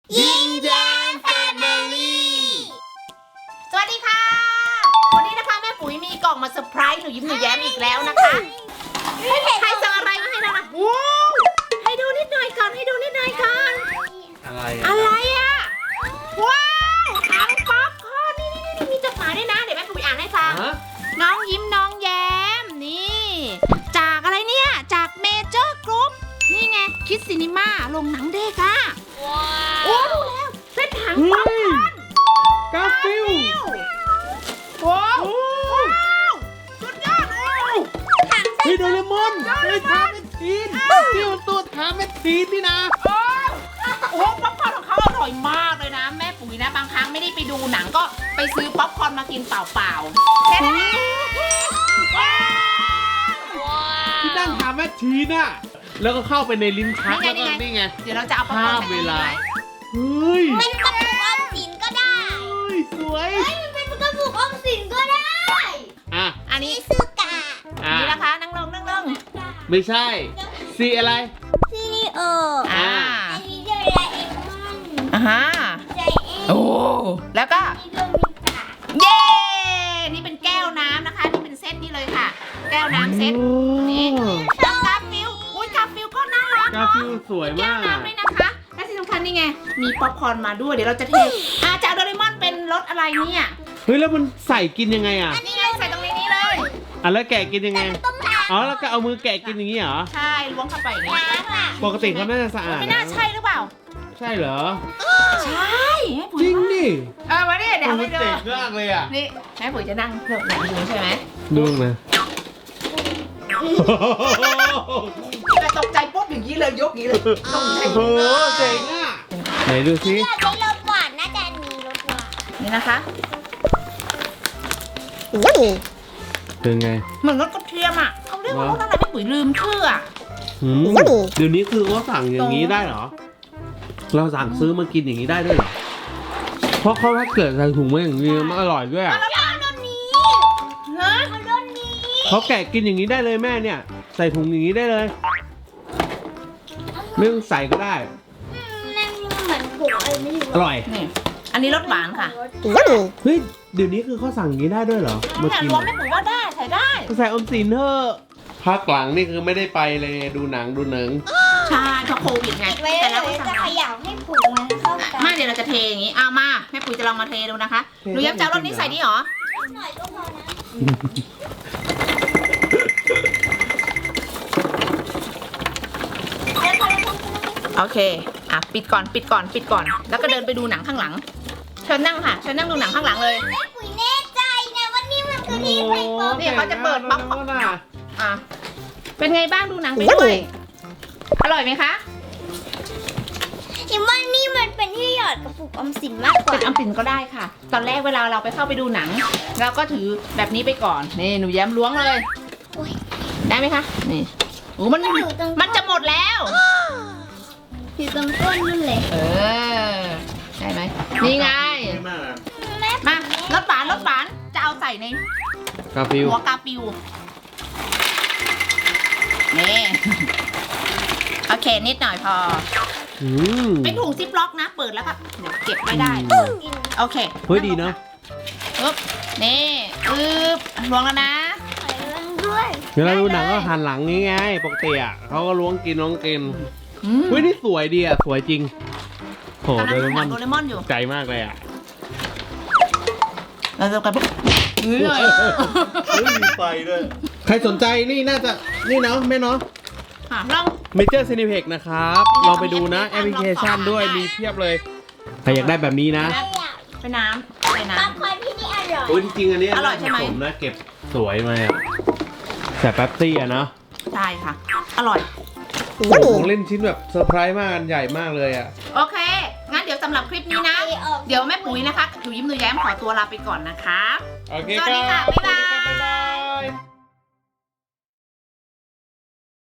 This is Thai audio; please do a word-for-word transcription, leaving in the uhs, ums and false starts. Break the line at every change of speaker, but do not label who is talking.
ยิ้มแย้มแฟมิลี่สวัสดีค่ะวันนี้นะคะแม่ปุ๋ยมีกล่องมาเซอร์ไพรส์หนูยิ้มหนูแย้มอีกแล้วนะคะใครสั่งอะไรมาให้เรานะว้าวให้ดูนิดหน่อยก่อนให้ดูนิดหน่อยก่อน
อะไร
อะไรอ่ะว้าวถังป๊อปคอร์นนี่นี่นี่มีจดหมายด้วยนะเดี๋ยวแม่ปุ๋ยอ่านให้ฟังน้องยิ้มน้องแย้มนี่จากอะไรเนี่ยจากเมเจอร์กรุ๊ปนี่ไงคิดซินิม่าลงหนังเด็กอ่ะโอ้ดูแล้วเป็นถังป๊อปคอร์น
กาฟิล
ว้าวสุดยอดโอ้ถัง
เฮ้ยโดเรมอนเฮ้ยทาเมทีนที่มันตัวทาเมทีนนี่นะ
โอ้โหป๊อปคอร์นของเขาอร่อยมากเลยนะแม่ปุ๋ยนะบางครั้งไม่ได้ไปดูหนังก็ไปซื้อป๊อปคอร์นมากินเปล่าๆแค่นั้น
ที่นั่งทาเมทีนน่ะแล้วก็เข้าไปในลิ้นชักแล้วก็นี่ไง
เดี๋ยวเราจะเอาป๊อปคอร์น
ภาพเวลา เฮ้ย
เป็นกระปุกออมสินก็ได้
เฮ้ยสวย
เฮ้ยมันเป็นกระปุกออมสินก็ได้
อ่ะ
อันนี้
ซื้อกา
อ่ะ
นี่นะคะนั่งลงนั่งลง
ไม่ใช่สีอะไร
ซีนีโอ
อ่า
อันนี้เดราเอมอน
อ่าฮะ
ใจเอ็น
โอ้แล้วก็
นี่ก็มีกา
เย้นี่เป็นแก้วน้ำนะคะนี่เป็นเซตนี่เลยค่ะ แก้วน้ำเซตนี่แล้วกาฟิลอุ้ยกาฟิลก็น่ารัก
กา
เนาะ
ฟิลสวย
แก้
มาว ก
น้ำด้วยนะคะและที่สำคัญนี่ไงมีป๊อปคอร์นมาด้วยเดี๋ยวเราจะเทอาจากโดเรมอนเป็นรสอะไรเนี่ย
เฮ้ยแล้วมันใส่กินยังไงอ่ะ
นี่ไงใส่ตรงนี้นี่เลย
อ่ะแล้วแกะกินยังไง
ต้องล้าง
อ๋อแล้วก็เอามือแกะกินอย่างนี้เหรอ
ใช่ล้วงเข้าไปอย่างนี้
ล้างอ่ะ
ปกติเขาน่าจะสะอาด
ไม่น่าใช่หรือเปล่า
ใช่เหรอ
ใช่แม่ปุ๋ย
จริงดิ
เออมาดิเดี๋ยว
มั
ให้
น
ดู
เจ๋งมากเลยอ่ะ
นี่แม่ปุ๋ยจะนั่งเลือกหนังดูใช่ไหม
ดูนะ
แต่ตกใจปุ๊บอย่างนี้เลยยกอย่างนี้เลยตกใจ
โอ้โหเจ๋งอ่ะไหนดูสิ
อยากได้รสหวานน่าจะมีรสหวาน
นี่นะคะ
เป็นไง
เหมือนรสกระเทียมอ่ะเขาเรียกว่ารสอะไรแม่ปุ๋ยลืมชื่ออ่ะ
หืมเดี๋ยวนี้คือเขาสั่งอย่างนี้ได้เหรอ เราสั่งซื้อมากินอย่างนี้ได้ด้วยเหรอ เพราะเขาถ้าเกิดใส่ถุงมาอย่างนี้มันอร่อยด้วยอ่ะ
เอารสนี้
ฮะ
เอารสนี้
เขาแกะกินอย่างนี้ได้เลยแม่เนี่ย ใส่ถุงอย่างนี้ได้เลย ไม่ต้องใส่ก็ได้
อืมนั่นเหมือนผงอะไรไม่รู้
อร่อย
นี่อันนี้รสหวานค่ะ
เฮ้ย เดี๋ยวนี้คือเขาสั่งอย่างนี้ได้ด้วยเหรอ มา
เนี่ย
กิน
รวมแม่ปุ๋ยว่าได้ใส่ได้
ใส่อมสินเถอะพักหลังนี่คือไม่ได้ไปเลยดูหนังดูหนัง
ใช่เพราะโควิดไง
ไว้
แต่
แล้
แล้ว ว
จะ
ก็
เข
สั่ง
ย่าให้ผงมันเข้ากัน
มาเดี๋ยวเราจะเทอย่างนี้เอามาแม่ปุ๋ยจะลองมาเทดูนะคะหนูยับจะเอารสนี้ใส่นี่หรอ
หน่อยก็พอนะ
โอเคอ่ะปิดก่อนปิดก่อนปิดก่อน แล้วก็เดินไปดูหนังข้างหลังเชิญนั่งค่ะเชิญนั่งดูหนังข้างหลังเลย
แม่ปุ๋ยแน่ใจนะว่านี่มันคือที่ใส่โฟม
เนี่ยเขาจะเปิดป๊อปคอร์น
อ่ะ
อ่ะเป็นไงบ้างดูหนังไปด้วยอร่อยไหมคะ
คิดว่านี่มันเป็นที่หยอดกระปุกออมสินมากกว่า
เป็นอัมปินก็ได้ค่ะ ตอนแรกเวลาเราไปเข้าไปดูหนัง เราก็ถือแบบนี้ไปก่อนนี่หนูแย้มล้วงเลย
โอ้ย
ได้ไหมคะนี่โอ้มันมันจะหมดแล้ว
อยู่ตรงก้นนั่นเลย
เออได้ไหมนี่ไง
ไม่มากอ่ะ
แม่
มารสหวานรสหวานจะเอาใส่ใน
กาฟิล
หัวกาปิวนี่โอเคนิดหน่อยพอ
อืม
เป็นถุงซิปล็อกนะ เปิดแล้วก็เดี๋ยวเก็บไม่ได้
กิน
โอเค
เฮ้ยดีเนาะ
ปึ๊บนี่ปึ๊บล้วงแล้วนะ
หอยเรื่องด้วย
เวลาดูหนังก็หันหลังนี้ไงปกติอ่ะเขาก็ล้วงกินล้วงกิน
อืม
เฮ้ยนี่สวยดีอ่ะสวยจริงโห
กำลั
โด
ง
เร
ดูห
ม
นั
อง น
โดเรมอนอยู่
ใจมากเลยอ่ะ
เราจะกันปุ๊บเฮ้ย
เฮ้ยมีไฟด้วยใครสนใจนี่น่าจะนี่เนาะแม่เนาะ
อ่ะลอง
เมเจอร์ซีนิเพ็กนะครับลองไปดูนะแอปพลิเคชันด้วยมีเพียบเลยใครอยากได้แบบนี้นะ
ไม่อยาก
ไปน้ำไปน้
ป๊อปคอร์นที่นี่อร่อย
โอ้ยจริงๆอันนี้
อร่อยใช่ไหม
ผมนะเก็บสวยมาอ่ะแต่แป๊บซี่อ่ะเนาะ
ำใช่ค่ะ อร่อย
ของเล่นชิ้นแบบเซอร์ไพรส์มากอันใหญ่มากเลยอ่ะ
โอเค งั้นเดี๋ยวสำหรับคลิปนี้นะ เดี๋ยวแม่ปุ๋ยนะคะหนูยิ้มหนูแย้มขอตัวลาไปก่อนนะคะ
โอเค
สวัสดีค่ะ
รับ
บ๊ายบาย
สวัสดีครับบ๊ายบาย